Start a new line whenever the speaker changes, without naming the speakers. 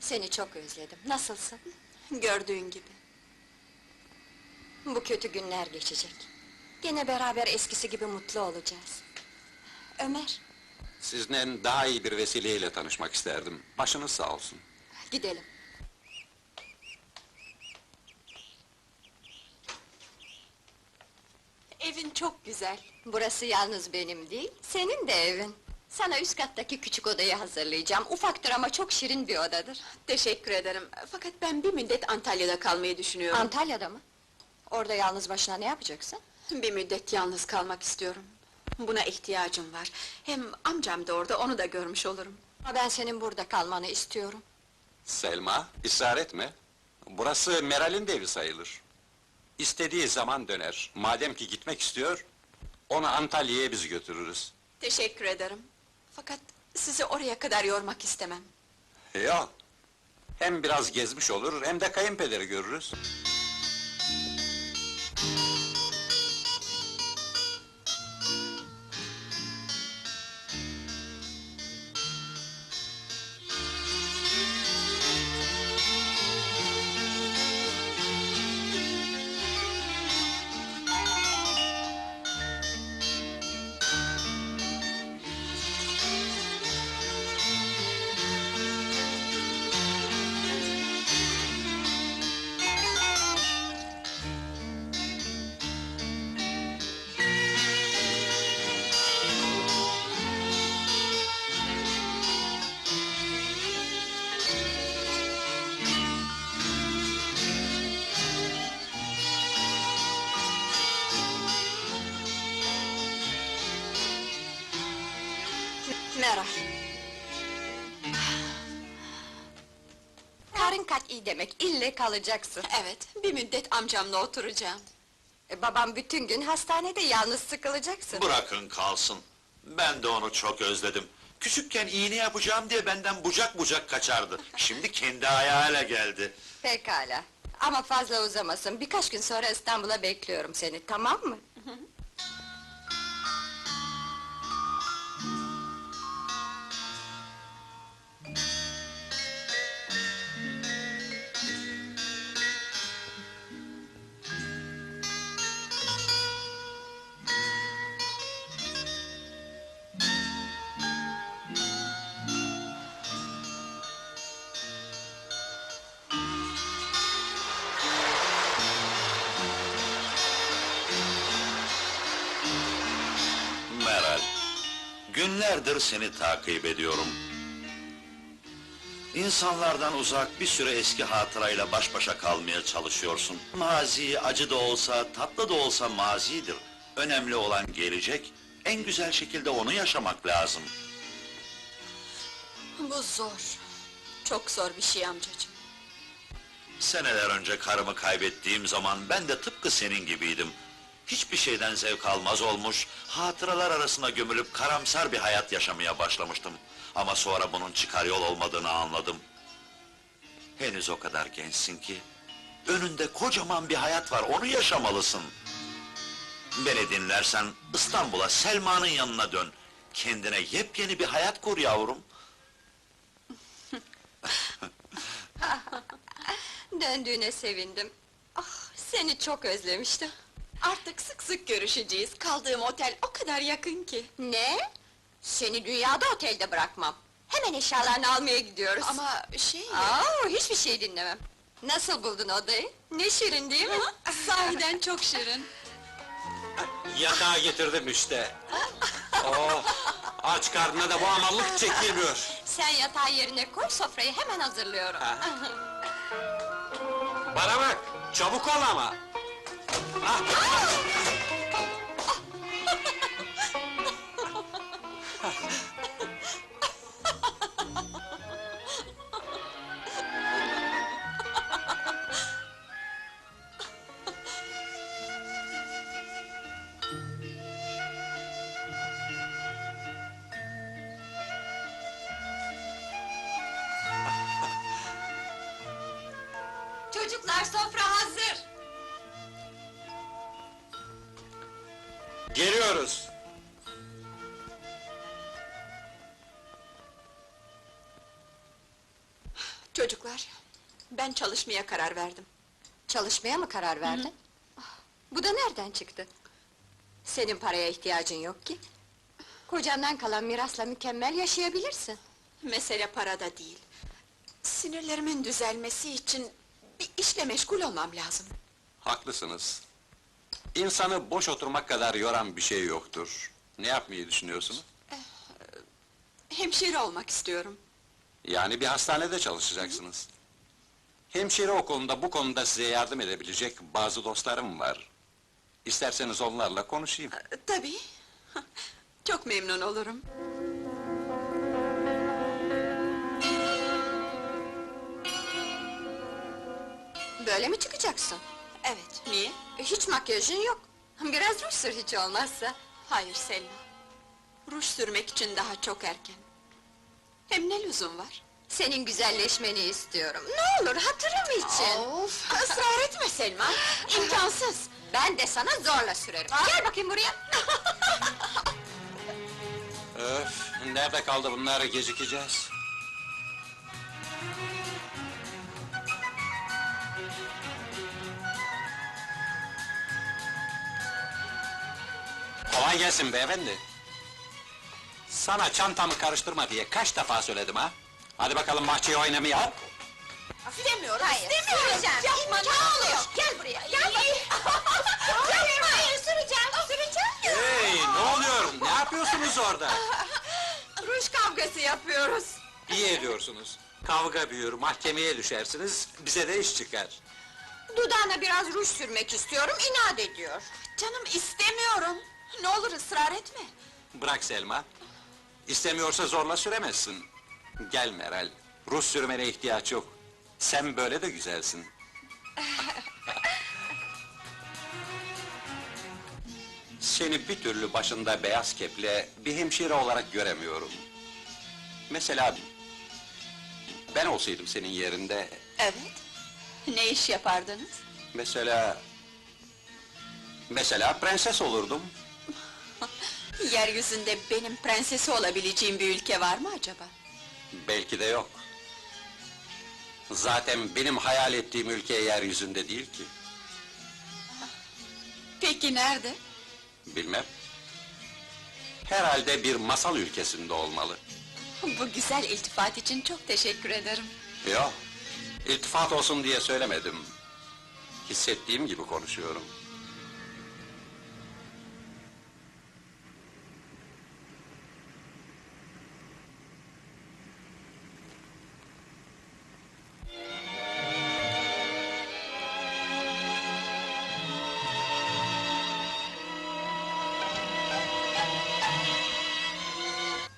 Seni çok özledim. Nasılsın?
Gördüğün gibi.
Bu kötü günler geçecek. Gene beraber eskisi gibi mutlu olacağız. Ömer,
Sizinle daha iyi bir vesileyle tanışmak isterdim. Başınız sağ olsun.
gidelim.
Evin çok güzel.
Burası yalnız benim değil, senin de evin. Sana üst kattaki küçük odayı hazırlayacağım. Ufaktır ama çok şirin bir odadır.
Teşekkür ederim. Fakat ben bir müddet Antalya'da kalmayı düşünüyorum.
Antalya'da mı? Orada yalnız başına ne yapacaksın?
Bir müddet yalnız kalmak istiyorum. Buna ihtiyacım var. Hem amcam da orada, onu da görmüş olurum.
Ama ben senin burada kalmanı istiyorum.
Selma, ısrar etme. Burası Meral'in de evi sayılır. İstediği zaman döner. Madem ki gitmek istiyor, onu Antalya'ya biz götürürüz.
Teşekkür ederim. Fakat sizi oraya kadar yormak istemem.
Yok. Hem biraz gezmiş olur, hem de kayınpederi görürüz.
Meral. Karın kat iyi demek, ille kalacaksın.
Evet, bir müddet amcamla oturacağım.
Babam bütün gün hastanede, yalnız sıkılacaksın.
Bırakın kalsın. Ben de onu çok özledim. Küçükken iğne yapacağım diye benden bucak bucak kaçardı. Şimdi kendi ayağıyla geldi.
Pekala. Ama fazla uzamasın, birkaç gün sonra İstanbul'a bekliyorum seni, tamam mı?
Meral, günlerdir seni takip ediyorum. İnsanlardan uzak bir süre eski hatırayla baş başa kalmaya çalışıyorsun. Mazi acı da olsa, tatlı da olsa mazidir. Önemli olan gelecek, en güzel şekilde onu yaşamak lazım.
Bu zor. Çok zor bir şey amcacığım.
Seneler önce karımı kaybettiğim zaman ben de tıpkı senin gibiydim. Hiçbir şeyden zevk almaz olmuş, hatıralar arasına gömülüp karamsar bir hayat yaşamaya başlamıştım. Ama sonra bunun çıkar yol olmadığını anladım. Henüz o kadar gençsin ki, önünde kocaman bir hayat var, onu yaşamalısın. Beni dinlersen, İstanbul'a, Selma'nın yanına dön. Kendine yepyeni bir hayat kur yavrum.
Döndüğüne sevindim. Ah, seni çok özlemiştim.
Artık sık sık görüşeceğiz. Kaldığım otel o kadar yakın ki.
Ne? Seni dünyada otelde bırakmam. Hemen eşyalarını almaya gidiyoruz.
Ama şey...
Hiçbir şey dinlemem. Nasıl buldun odayı? Ne şirin değil mi?
Sahiden çok şirin.
Yatağı getirdim işte. Oh, aç karnına da bu amallık çekilmiyor.
Sen yatağı yerine koy, sofrayı hemen hazırlıyorum.
Bana bak, çabuk ol ama. Ah!
Çocuklar, sofra hazır!
Geliyoruz.
Çocuklar, ben çalışmaya karar verdim.
Çalışmaya mı karar verdin? Ah, bu da nereden çıktı? Senin paraya ihtiyacın yok ki. Kocandan kalan mirasla mükemmel yaşayabilirsin.
Mesele parada değil. Sinirlerimin düzelmesi için bir işle meşgul olmam lazım.
Haklısınız. İnsanı boş oturmak kadar yoran bir şey yoktur. Ne yapmayı düşünüyorsunuz?
Hemşire olmak istiyorum.
Yani bir hastanede çalışacaksınız. Hemşire okulunda bu konuda size yardım edebilecek bazı dostlarım var. İsterseniz onlarla konuşayım.
Tabii. Çok memnun olurum.
Böyle mi çıkacaksın?
Evet, niye?
Hiç makyajın yok. Biraz ruj sür hiç olmazsa.
Hayır Selma. Ruj sürmek için daha çok erken. Hem ne lüzum var?
Senin güzelleşmeni istiyorum. Ne olur hatırım için.
Of, ısrar etme Selma, imkansız!
Ben de sana zorla sürerim. Gel bakayım buraya.
Öf, nerede kaldı bunlar, gecikeceğiz. Kolay gelsin beyefendi. Sana çantamı karıştırma diye kaç defa söyledim ha? Hadi bakalım bahçeye oynamaya.
İstemiyorum,
Hayır,
istemiyorum!
süreceğim.
Yapma, ne
İmkanı
olur!
yok. Gel buraya, gel bakayım. Hayır, süreceğim, süreceğim.
Hey, ne oluyor? Ne yapıyorsunuz orada?
Ruj kavgası yapıyoruz.
İyi ediyorsunuz. Kavga büyür, mahkemeye düşersiniz, bize de iş çıkar.
Dudağına biraz ruj sürmek istiyorum, inat ediyor.
Canım istemiyorum! Ne olur ısrar etme!
Bırak Selma. İstemiyorsa zorla süremezsin. Gel Meral, ruj sürmene ihtiyaç yok. Sen böyle de güzelsin. Seni bir türlü başında beyaz keple bir hemşire olarak göremiyorum. Mesela ben olsaydım senin yerinde,
Evet. Ne iş yapardınız?
mesela prenses olurdum.
Yeryüzünde benim prensesi olabileceğim bir ülke var mı acaba?
Belki de yok. Zaten benim hayal ettiğim ülke yeryüzünde değil ki.
Peki nerede?
Bilmem. Herhalde bir masal ülkesinde olmalı.
Bu güzel iltifat için çok teşekkür ederim.
Yok, iltifat olsun diye söylemedim. Hissettiğim gibi konuşuyorum.